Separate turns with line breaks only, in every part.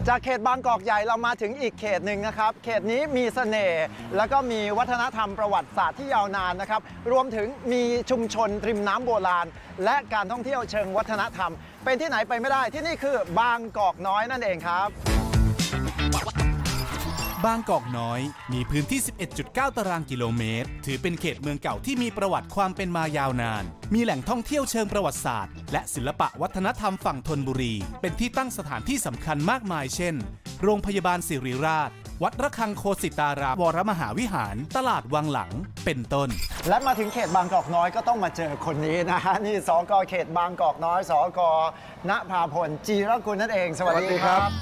จากเขตบางกอกใหญ่เรามาถึงอีกเขตหนึ่งนะครับเขตนี้มีเสน่ห์แล้วก็มีวัฒนธรรมประวัติศาสตร์ที่ยาวนานนะครับรวมถึงมีชุมชนริมน้ำโบราณและการท่องเที่ยวเชิงวัฒนธรรมเป็นที่ไหนไปไม่ได้ที่นี่คือบางกอกน้อยนั่นเองครับ
บางกอกน้อยมีพื้นที่ 11.9 ตารางกิโลเมตรถือเป็นเขตเมืองเก่าที่มีประวัติความเป็นมายาวนานมีแหล่งท่องเที่ยวเชิงประวัติศาสตร์และศิลปะวัฒนธรรมฝั่งธนบุรีเป็นที่ตั้งสถานที่สำคัญมากมายเช่นโรงพยาบาลศิริราชวัดระฆังโคสิตารามวรมหาวิหารตลาดวังหลังเป็นต้น
และมาถึงเขตบางกอกน้อยก็ต้องมาเจอคนนี้นะฮะนี่สก.เขตบางกอกน้อยสก.ณภาพลจีรกุลนั่นเองสวัสดีครับ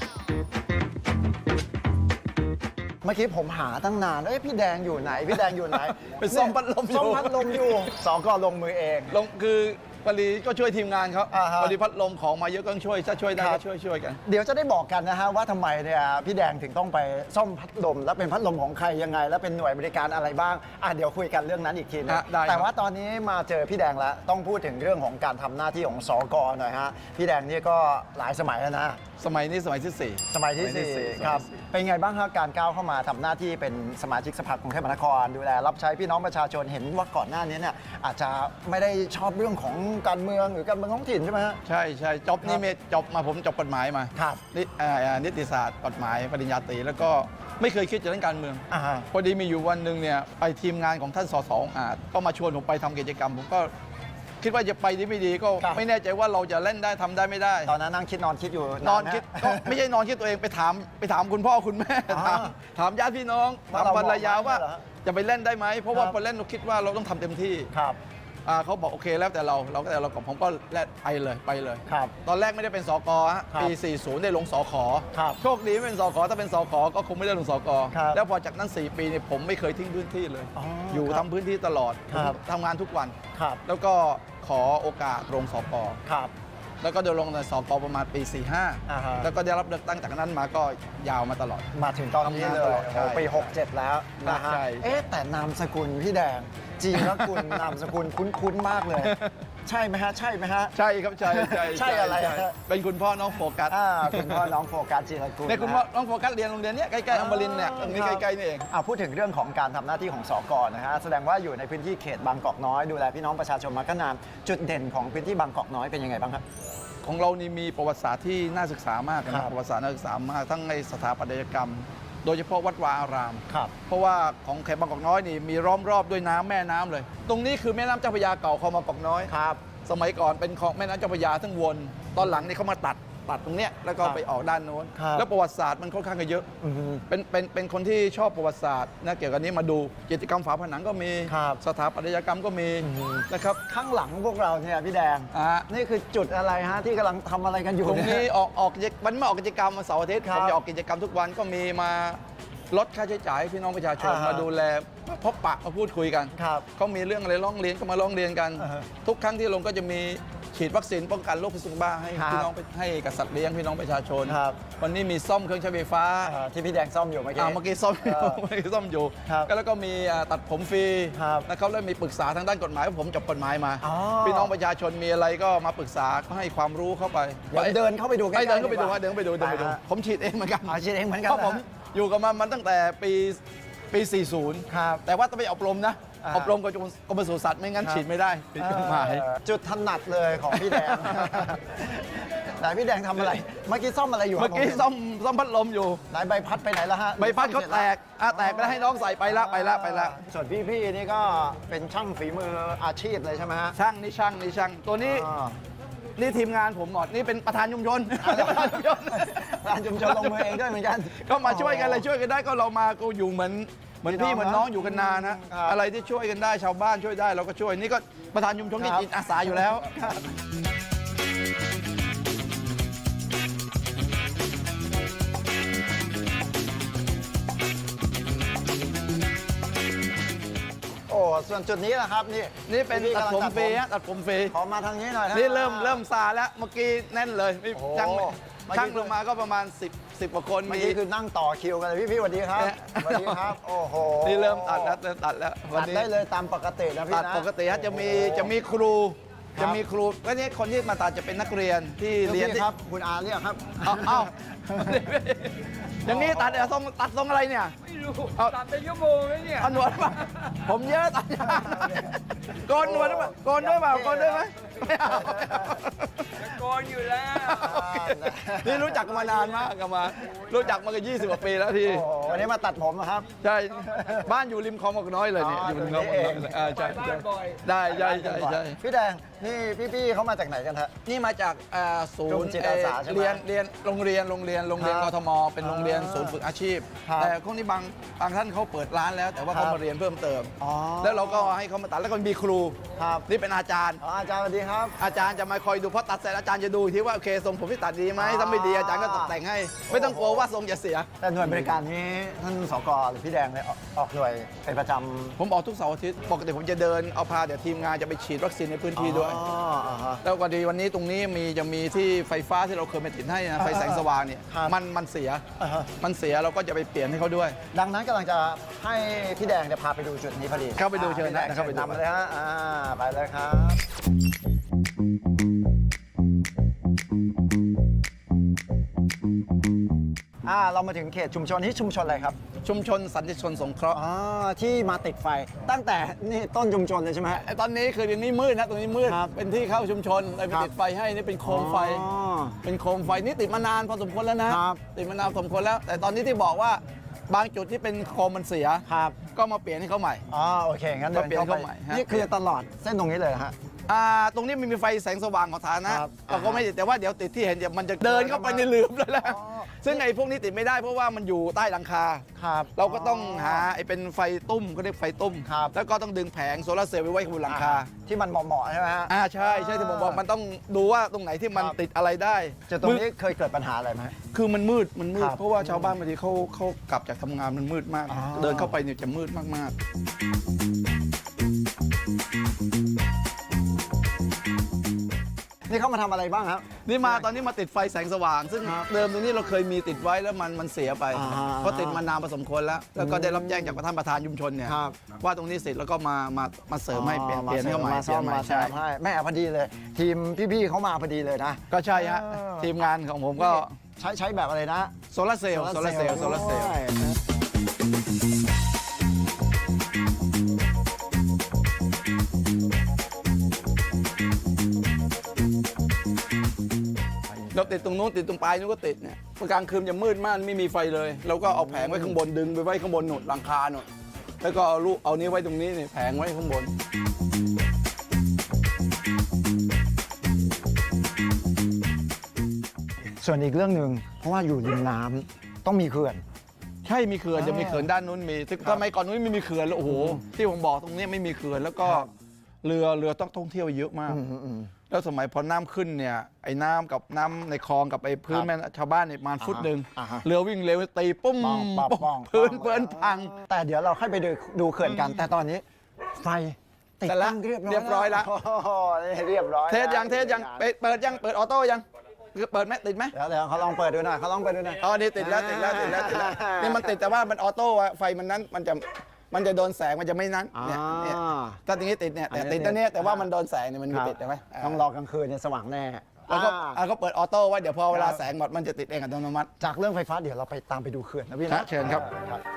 เมื่อกี้ผมหาตั้งนานพี่แดงอยู่ไหนพี่แดงอยู่ไหน
เป็นซ่อมพัดลมอยู่
ซ่อมพัดลมอยู่สก.ลงมือเอง
ลงคือปรีก็ช่วยทีมงานเขาพอดีพัดลมของมาเยอะก็ช่วยถ้าช่วยได้ก็ช่วยกัน
เดี๋ยวจะได้บอกกันนะฮะว่าทำไมเนี่ยพี่แดงถึงต้องไปซ่อมพัดลมแล้วเป็นพัดลมของใครยังไงแล้วเป็นหน่วยบริการอะไรบ้างเดี๋ยวคุยกันเรื่องนั้นอีกทีนึงแต่ว่าตอนนี้มาเจอพี่แดงแล้วต้องพูดถึงเรื่องของการทำหน้าที่ของสก.หน่อยฮะพี่แดงนี่ก็หลายสมัยแล้วนะ
สมัยนี้สมัยที่4
สมัยที่4ครับเป็นไงบ้างครับการก้าวเข้ามาทำหน้าที่เป็นสมาชิกสภากรุงเทพมหานครดูแลรับใช้พี่น้องประชาชนเห็นว่าก่อนหน้านี้เนี่ยอาจจะไม่ได้ชอบเรื่องของการเมืองหรือการเมืองท้องถิ่นใช่ไหมฮะ
ใช่จบนี่จบมาผมจบกฎหมายมา
ครับ
นิติศาสตร์กฎหมายปริญญาตรีแล้วก็ไม่เคยคิดจะเล่นการเมืองพอดีมีอยู่วันหนึ่งเนี่ยไปทีมงานของท่านสสก็มาชวนผมไปทำกิจกรรมผมก็คิดว่าจะไปดีไม่ดีก็ไม่แน่ใจว่าเราจะเล่นได้ทำได้ไม่ได้
ตอนนั้นนั่งคิดนอนคิดอยู่
นอนคิดก็ไม่ใช่นอนคิดตัวเองไปถามคุณพ่อคุณแม่ถามญาติพี่น้องถามภรรยาว่าจะไปเล่นได้ไหมเพราะว่าพอเล่นเราคิดว่าเราต้องทำเต็มที่เขาบอกโอเคแล้วแต่เรากับผมก็ไปเลยตอนแรกไม่ได้เป็นสก.ปี40ได้ลงสข.โชคดีไม่เป็นสข.ถ้าเป็นสข.ก็คงไม่ได้ลงสก.แล้วพอจากนั้น4ปีเนี่ยผมไม่เคยทิ้งพื้นที่เลยอยู่ทำพื้นที่ตลอดทำงานทุกวันแล้วก็ขอโอกาสลงสก.แล้วก็เดินลงในสก.ประมาณปี45แล้วก็ได้รับเลือกตั้งจากนั้นมาก็ยาวมาตลอด
มาถึงตอนนี้เลยปี67แล้วนะฮะแต่นามสกุลพี่แดงจีรกุลนามสกุลคุ้นมากเลยใช่ไหมฮะใช่
ครับใช่
อะไร
เป็นคุณพ่อน้องโฟกัส
คุณพ่อน้องโฟกัสจีรกุล
ในคุณพ่อน้องโฟกัสเรียนโรงเรียนนี้ใกล้ๆอมรินทร์เนี่ยตรงนี้ใกล้ๆนี่เอง
พูดถึงเรื่องของการทำหน้าที่ของสก.นะฮะแสดงว่าอยู่ในพื้นที่เขตบางกอกน้อยดูแลพี่น้องประชาชนมาก็นานจุดเด่นของพื้นที่บางกอกน้อยเป็นยังไงบ้างครับ
ของเรานี่มีประวัติศาสตร์ที่น่าศึกษามากนะประวัติศาสตร์น่าศึกษามากทั้งในสถาปัตยกรรมโดยเฉพาะวัดวาอารามเพราะว่าของเขตบางกอกน้อยนี่มีล้อมรอบด้วยน้ำแม่น้ำเลยตรงนี้คือแม่น้ำเจ้าพระยาเก่าคลองบางกอกน้อยสมัยก่อนเป็นคลองแม่น้ำเจ้าพระยาทั้งวนตอนหลังนี่เขามาตัดตรงเนี้ยแล้วก็ไปออกด้านโน้นแล้วประวัติศาสตร์มันค่อนข้างเยอะเป็นคนที่ชอบประวัติศาสตร์นะเกี่ยวกับนี้มาดูกิจกรรมฝาผนังก็มีสถาปัตยกรรมก็มีนะครับ
ข้างหลังพวกเราเนี่ยพี่แดงนี่คือจุดอะไรฮะที่กำลังทำอะไรกันอยู่
ตรงนี้ออกวันไม่ออกกิจกรรมมาเสาร์อาทิตย์ผมจะออกกิจกรรมทุกวันก็มีมาลดค่าใช้จ่ายพี่น้องประชาชนมาดูแลพบปะมาพูดคุยกันเขามีเรื่องอะไรร้องเรียนก็มาร้องเรียนกันทุกครั้งที่ลงก็จะมีฉีดวัคซีนป้องกันโรคพิษสุนัขบ้าให้พี่น้องให้กับสัตว์เลี้ยงพี่น้องประชาชนวันนี้มีซ่อมเครื่องใช้ไฟฟ้า
ที่พี่แดงซ่อมอยู่เมื่อ
กี้ซ่อมอยู่แล้วก็มีตัดผมฟรีนะครับแล้วมีปรึกษาทางด้านกฎหมายผมจบกฎหมายมาพี่น้องประชาชนมีอะไรก็มาปรึกษาก็ให้ความรู้เข้าไป
เดินเข้าไปดู
เดินเข้าไปดูผมฉีดเองเหมือนกันเพราะผมอยู่กับมันตั้งแต่ปี40แต่ว่าต้องไปอบรมนะอบรมกับกรมปศุสัตว์ไม่งั้นฉีดไม่ได้ผิดกฎหมาย
จุดถนัดเลยของพี่แดงไหนพี่แดงทำอะไรเมื่อกี้ซ่อมอะไรอยู่
เมื่อกี้ซ่อมพัดลมอยู่
ไหนใบพัดไปไหนแล้วฮะ
ใบพัดเขาแตกไปแล้วให้น้องใส่ไปละ
ส่วนพี่นี่ก็เป็นช่างฝีมืออาชีพเลยใช่ไหมฮะ
ช่างตัวนี้นี่ทีมงานผมหมดนี่เป็นประธานชุมชน
ประธานชุมชนลงมือเองด้วยเหมือนกัน
ก็มาช่วยกันเลยช่วยกันได้ก็เรามาก็อยู่เหมือนพี่เหมือนน้องอยู่กันนานนะอะไรที่ช่วยกันได้ชาวบ้านช่วยได้เราก็ช่วยนี่ก็ประธานชุมชนนี่จิตอาสาอยู่แล้ว
ส่วนจุดนี้แหละครับ
นี่เป็นตัดผมฟรี
ขอมาทางนี้หน่อย
นี่เริ่มซาแล้วเมื่อกี้แน่นเลยช่างลงมาก็ประมาณ10กว่าคน
เมื่อกี้คือนั่งต่อคิวกันเลยพี่สวัสดีครับสวัสดีครับโอ้โห
นี่เริ่มตัดแล้ว
ตัดได้เลยตามปกตินะพี่นะ
ตัดปกติฮะจะมีครูจะมีครูก็นี่คนที่มาตัดจะเป็นนักเรียนที่เรียน
ครับคุณอาเรียกครับ
เอ้าอย่างนี้ตัดทรงอะไรเนี่ย
ไม่รู้ตัดเป็นชั่วโมงเลยเนี่ย
เอาหนวดมาผมเยอะตัดยาวโกนหนวดด้วยโกนด้วยเปล่าโกนด้วยไหมไม่เอา
โกนอยู่แล้ว
นี่รู้จักกันมานานมากกันมารู้จักมากัน20 กว่าปีแล้วที่
โอ้โหวันนี้มาตัดผมนะครับ
ใช่บ้านอยู่ริมคลองบางกอกน้อยเลยเนี่ย
อ๋อ
อยู่ริมคลองบางกอกน้อยใช่
ไปบ้านบ่อย
ได้ใช่ใช่ใช่
พี่แดงนี่พี่ๆเขามาจากไหนกันฮะ
นี่มาจากศู
กลุ่
น
ม
ย์
จิตอาสาใช่ไหม
เรียนโรงเรียน
ครับ
กทมเป็นโรงเรียนศูนย์ฝึกอาชีพ
ครับ
แต่พวกนี้บางท่านเขาเปิดร้านแล้ว แต่ว่า
ครั
เขา
บ
มาเรียนเพิ่มเติม
อ๋อ
แล้วเราก็ให้เขามาตัดแล้วก็มีครู
ครับ
นี่เป็นอาจารย์
อ๋ออาจารย์สวัสดีครับ
อาจารย์จะมาคอยดูเพราะตัดเสร็จอาจารย์จะดูอีกทีว่าโอเคทรงผมที่ตัดดีไหม
อ๋อ
ถ้าไม่ดีอาจารย์ก็ตกแต่งให้ ไม่ต้องกลัวว่าทรงจะเสีย
แต่หน่วยบริการนี้ท่านสกหรือพี่แดงเนี่ยออกหน่วยเป็นประจำ
ผมออกทุกเสาร์อาทิตย์ปกติผมจะเดินเอาพาเดี๋ยวทีมงานจะไปฉีดวัคซีนในพื้นที่ด้วย
อ๋ออ่าฮะ
แล้วก็ดีวันนี้ตรงนี้จะมีที่ไฟฟ้าที่เราเคยไปติดให้นะไฟแสงสว่างเนี่ย
ครับ
มันเสีย
อ่าฮะ
มันเสียเราก็จะไปเปลี่ยนให้เขาด้วย
ดังนั้นกำลังจะให้พี่แดงเนี่ยพาไปดูจุดนี้พอดี
เข้าไปดูเชิญ
พี่แดง
นะเข้าไปดู
นำเลยฮะไปเลยครับ เรามาถึงเขตชุมชนที่ชุมชนอะไรครับ
ชุมชนสันติชนสงเคราะห์
ที่มาติดไฟตั้งแต่นี่ต้นชุมชนเลยใช่ไหมฮะ
ไอ้ตอนนี้คืออย่างนี้มืดนะตรงนี้มืด
ครับ
เป็นที่เข้าชุมชนเลยไป
ครับ
ติดไฟให้นี่เป็นโคมไฟ
อ๋อ
เป็นโคมไฟนี่ติดมานานพอสมควรแล้วนะครับ ติดมานานพอสมควรแล้ว แต่ตอนนี้ที่บอกว่าบางจุดที่เป็นโคมมันเสีย
ครับ
ก็มาเปลี่ยนให้เขาใหม่
โอเคงั้นเดิน
ก็เปลี่ยน
เข้าไป
เข้าใหม่ฮะ
นี่คือตลอดเส้นตรงนี้เลยเหรอฮะ
ตรงนี้มันมีไฟแสงสว่างของฐานะครับ เราก็ไม่ติดแต่ว่าเดี๋ยวติดที่เห็นเดี๋ยวมันจะเดินเข้าไปในหลืมแล้วแหละ
อ๋อ
ซึ่งไอ้พวกนี้ติดไม่ได้เพราะว่ามันอยู่ใต้หลังคา
ครับ
เราก็ต้องหาไอ้เป็นไฟตุ้มก็เรียกไฟตุ้ม
ครับ
แล้วก็ต้องดึงแผงโซลาร์เซลล์ไปไว้บนหลังคา
ที่มันเหมาะๆใช่ไหมฮะ
ใช่ที่ผมบอกมันต้องดูว่าตรงไหนที่มัน
ครับ
ติดอะไรได้
จุดตรงนี้เคยเกิดปัญหาอะไรไหม
คือมันมืด
ครับ
เพราะว่าชาวบ้านบางทีเขากลับจากทำงานมันมืดมาก
อ๋อ
เดินเข้าไปเนี่ยจะมืดมาก
นี่เขามาทำอะไรบ้างครับ
ๆ นี่มาตอนนี้มาติดไฟแสงสว่าง ซึ่ง
ครับ
เดิมตรงนี้เราเคยมีติดไว้แล้วมันเสียไป เพราะติดมานานพอสมควรแล้ว แล้วก็ได้รับแจ้งจากท่านประธานชุมชนเนี่ย
ครับ
ว่าตรงนี้เสร็จแล้วก็มาเสริมให้เปลี่ยนให้เขาใหม่
มาซ่อม
เปลี่ยนให
มาแซ
ใช่
มให้แม่พอดีเลย ทีมพี่ๆเขามาพอดีเลยนะ
ก็ใช่ฮะ
เออ
ทีมงานของผมก็
ใช้แบบอะไรนะ
โซลาร์เซลล์
ด้วย
เราติดตรงนู้นติดตรงปลายนู้นก็ติดเนี่ยพอกลางคืนจะมืดมากไม่มีไฟเลยเราก็เอาแผงไว้ข้างบนดึงไปไว้ข้างบนหนุนหลังคาหนุนแล้วก็เอานี้ไว้ตรงนี้นี่แผงไว้ข้างบน
ส่วนอีกเรื่องหนึ่งเพราะว่าอยู่ริมน้ำต้องมีเขื่อน
ใช่มีเขื่อนจะมีเขื่อนด้านนู้นมีทำไมก่อนนู้นไม่มีเขื่อนแล้วโอ้โหที่ผมบอกตรงนี้ไม่มีเขื่อนแล้วก็
ครับ
เรือต้องท่องเที่ยวเยอะมาก แล้วสมัยพอน้ำขึ้นเนี่ยไอ้น้ำกับน้ำในคลองกับไอ้พื้น
ครับ
แม่ชาวบ้านเนี่ยประมาณฟุตหนึ่ง
อ่าฮะ
เรือวิ่งเร็วตีปุ้ม
ป้อง
พื้นเปื้อนพัง
แต่เดี๋ยวเราค่อยไปดูเขื่อนกัน แต่ตอนนี้ไฟติด
แต่ละ
ตั้งเรียบร้อย
เรียบร้อยละ
โอ้โหนี่เรียบร้อย
เทสยังเปิดยังเปิดออโต้ยังเปิดไหมติดไหม
เดี๋ยวเขาลองเปิดดูหน่อยเขาลองเปิดดูหน่อย
อ๋อนี่ติดแล้วนี่มันติดแต่ว่ามันออโต้อะไฟมันนั้นมันจะโดนแสงมันจะไม่นั้นเนี่ยถ้าตรงนี้ติดเนี่ยแต่ติดตรงนี้แต่ว่ามันโดนแสงเนี่ยมันไม่ติดใช่ไหม
ต้องรอกลางคืนเนี่ยสว่างแน่
แล้วก็
อ่า
ก็เปิดออโต้ไว้เดี๋ยวพอเวลาแสงหมดมันจะติดเองอัตโนมัติ
จากเรื่องไฟฟ้าเดี๋ยวเราไปตามไปดูเขื่อนนะพี่
ครั
นะ
บเชิญครับ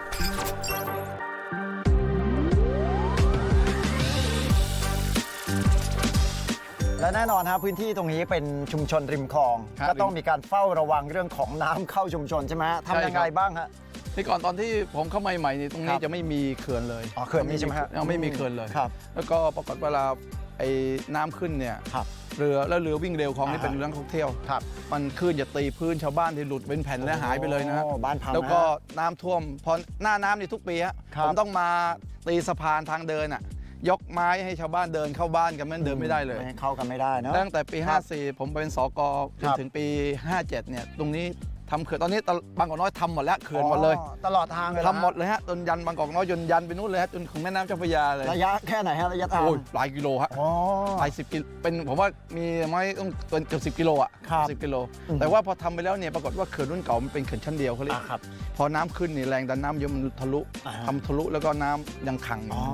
และแน่นอนครับพื้นที่ตรงนี้เป็นชุมชนริมคลอง
ครับ
ก็ต้องมีการเฝ้าระวังเรื่องของน้ำเข้าชุมชนใช่ไหมฮะทำยังไงบ้างฮะ
ที่ก่อนตอนที่ผมเข้ามาใหม่ๆนี่ตรง
ค
นี้
รับ
จะไม่มีเขื่อนเลย
อ๋อเขื่อนนี่ใช่ไหมฮะ
ยังไม่มีเขื่อนเลย
ครับ
แล้วก็ปรากฏเวลาไอ้น้ำขึ้นเนี่ย
ครับ
เรือวิ่งเร็วคลองนี่เป็นเรื่องท่องเที่ยว
ครับ
มันคลื่นจะตีพื้นชาวบ้านที่หลุดเป็นแผ่นและหายไปเลยนะฮะ
โอ้บ้านพัง
แล้วก็
นะ
น้ำท่วมพอหน้าน้ำนี่ทุกปีฮะ
ครับ
ผมต้องมาตีสะพานทางเดินอ่ะยกไม้ให้ชาวบ้านเดินเข้าบ้านกันไม่งั้นเดินไม่ได้เลย
เข้ากันไม่ได้เนอะ
ตั้งแต่ปี
ครับ
54 ผมเป็นสกจ
คน รับ
ถึงปี 57 เนี่ยตรงนี้ทำเขื่อนตอนนี้บางกอกน้อยทำหมดแล้วเขื่อนหมดเลย
อ๋อตลอดทางเลย
ทำหมดเลยฮะจนยันบางกอกน้อยจนยันไปนู่นเลยฮะจนถึงแม่น้ำเจ้าพระยาเลย
ระยะแค่ไหนฮะระยะทาง
โอ้ยหลายกิโลฮะ
อ๋อ
หลาย10 กิโลเป็นผมว่ามีไม่ต้องเกือบ10 กิโลอ่ะ
ครับ
10 กิโล
อืม
แต่ว่าพอทำไปแล้วเนี่ยปรากฏว่าเขื่อนรุ่นเก่ามันเป็นเขื่อนชั้นเดียวเขาเรียก
ครับ
พอน้ำขึ้นนี่แรงดันน้ำเยอะมันทะลุ
อ่าฮะ
ทำทะลุแล้วก็น้ำยังขังอยู่
อ๋อ
เหมือนเดิม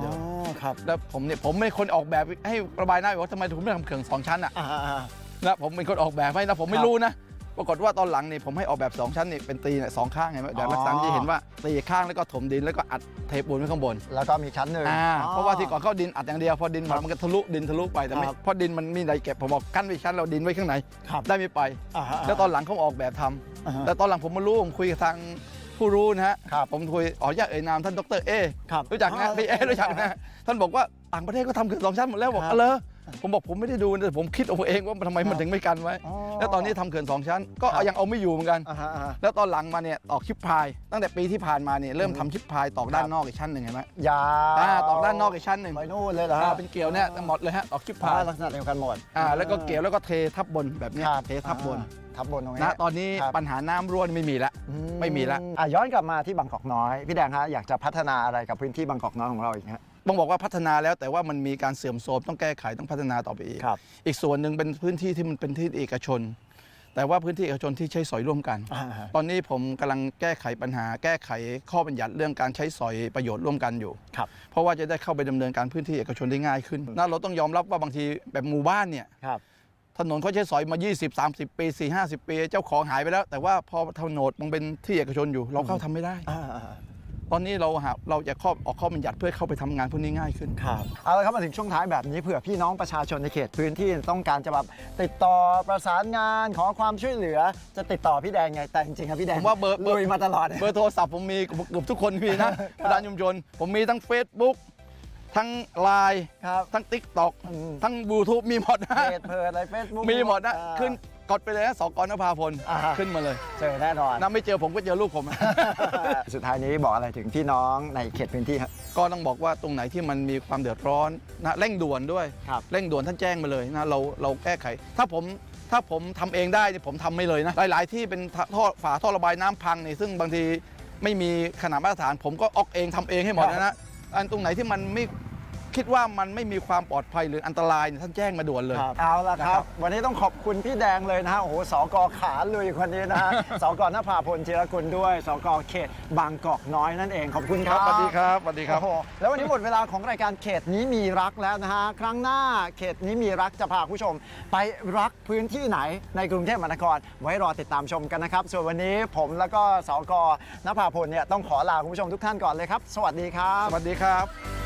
ครับ
แล้วผมเป็นคนออกแบบให้ระบายน้ำว่าทำไมถึงไม่ทำเขื่อน2 ชั้นอ่ะ นะผมเป็นคนออกแบบให้นะผมไม่รู้นะปรากฏว่าตอนหลังนี่ผมให้ออกแบบ2 ชั้นนี่เป็นตีเนี่ย2 ข้างไงเดี๋ยวลักษณะที่เห็นว่าตีข้างแล้วก็ถมดินแล้วก็อัดเทปูนไว้ข้างบน
แล้วก็มีชั้นหนึ่ง
เพราะว่าที่ก่อนเข้าดินอัดอย่างเดียวพอดินมันก็ทะลุดินทะลุไปแต่ไม่
ครับ
เพราะดินมันมีอะไรเก็บผมบอกกั้นไว้ชั้นเราดินไว้ข้างใน
ครับ
ได้ไม่ไป แล้วตอนหลังเขาออกแบบทำแต่ตอนหลังผมมารู้ผมคุยกับทางผู้รู้นะฮะ
ครับ
ผมคุยขออนุญาตเอ่ยนามท่านดรเอ
ครับ
รู้จักนะพี่เอรู้จักนะท่านบอกว่าต่างประเทศก็ทำเขื่อน2 ชั้นหมดแล้วบอก
ครับ
เลยผมบอกผมไม่ได้ดูแต่ผมคิดเอาเองว่าทำไมมันถึงไม่กันไว้
อ๋อ
แล้วตอนนี้ทำเขื่อน2 ชั้นก็
ครับ
ยังเอาไม่อยู่เหมือนกัน
อ่าฮะ
แล้วตอนหลังมาเนี่ยตอกชิปพายตั้งแต่ปีที่ผ่านมาเนี่ยเริ่มทำชิปพายตอกด้าน
ครับ
นอกอีกชั้นหนึ่งเห็นไหม
ยาว
ตอกด้านนอกอีกชั้นหนึ่ง
ไปนู่นเลยเหรอฮะ
เป็นเกลียวเนี่ยหมดเลยฮะตอกชิปพาย
ลักษณะเดียวกันหมด
แล้วก็เกลียวแล้วก็เททับบนแบบเนี้ย
ครับ
เททับบน
ทับบนตรงนี้
นะตอนนี้
ครับ
ปัญหาน้ำรั่วไม่มีแล้ว ไม่มีละ
ย้อนกลับมาที่บางกอกน้อยพี่แดงฮะอยากจะพัฒนาอะไรกับพื้นที่บางกอกน้อยของเราอีกฮะ
ต้องบอกว่าพัฒนาแล้วแต่ว่ามันมีการเสื่อมโทรมต้องแก้ไขต้องพัฒนาต่อไปอีก
ครับ
อีกส่วนหนึ่งเป็นพื้นที่ที่มันเป็นที่เอกชน แต่ว่าพื้นที่เอกชนที่ใช้สอยร่วมกัน ตอนนี้ผมกำลังแก้ไขปัญหา แก้ไขข้อบัญญัติเรื่องการใช้สอยประโยชน์ร่วมกันอยู่
ครับ
เพราะว่าจะได้เข้าไปดำเนินการพื้นที่เอกชนได้ง่ายขึ้นนะเราต้องยอมรับว่าบางทีแบบหมู่บ้านเนี่ย
ครับ
ถนนเขาใช้สอยมา 20-30 ปี 4-50 ปี เจ้าของหายไปแล้ว แต่ว่าพอถนนมันเป็นที่เอกชนอยู่ เราเข้าทำไม่ได้ ตอนนี้เราจะออกข้อบัญญัติเพื่อเข้าไปทำงานพวกนี้ง่ายขึ้น
ครับเอาละครับมาถึงช่วงท้ายแบบนี้เผื่อพี่น้องประชาชนในเขตพื้นที่ต้องการจะแบบติดต่อประสานงานขอความช่วยเหลือจะติดต่อพี่แดงไงแต่จริงๆครับพี่แดง
ผมว่าเบอร์
ลุยมาตลอด
เบอร์โทรศัพท์ผมมีเกือบทุกคนมีนะประธานชุมชนผมมีทั้ง Facebook ทั้ง Line
ครับ
ทั้ง TikTok
อืม
ทั้ง YouTube มีหมดนะ
เพจเพิร์ดอะไรเฟซบุ๊ก
มีหมดนะขึ้นกดไปเลยนะสกนภาพล
อ่าฮะ
ขึ้นมาเลย
เจอแน่นอน
นะไม่เจอผมก็เจอลูกผม
สุดท้ายนี้บอกอะไรถึงพี่น้องในเขตพื้นที่ครับ
ก็ต้องบอกว่าตรงไหนที่มันมีความเดือดร้อนนะเร่งด่วนด้วย
ครับ
เร่งด่วนท่านแจ้งมาเลยนะเราแก้ไข ถ้าผมทำเองได้นี่ผมทำไม่เลยนะหลายๆที่เป็นฝาท่อระบายน้ำพังนี่ซึ่งบางทีไม่มีขนาดมาตรฐาน ผมก็ออกเองทำเองให้หมดนะอันตรงไหนที่มันไม่คิดว่ามันไม่มีความปลอดภัยหรืออันตรายเนี่ยท่านแจ้งมาด่วนเลย
เอาละค
นะครั
รับ
บ
วันนี้ต้องขอบคุณพี่แดงเลยนะฮะโอ้โหสกขาลุยคนนี้นะฮะ สกนภาพลจิรกุลด้วยสกเขตบางกอกน้อยนั่นเองขอบคุณครับ
สวัสดีครับสวัสดีครับ
โอ้โหแล้ววันนี้หมดเวลาของรายการเขตนี้มีรักแล้วนะฮะครั้งหน้าเขตนี้มีรักจะพาคุณผู้ชม ไปรักพื้นที่ไหนในกรุงเทพมหานครไว้รอติดตามชมกันนะครับ ส่วนวันนี้ผมแล้วก็สกนภาพลเนี่ยต้องขอลาคุณผู้ชมทุกท่านก่อนเลยครับ สวัสดีครับ
สวัสดีครับ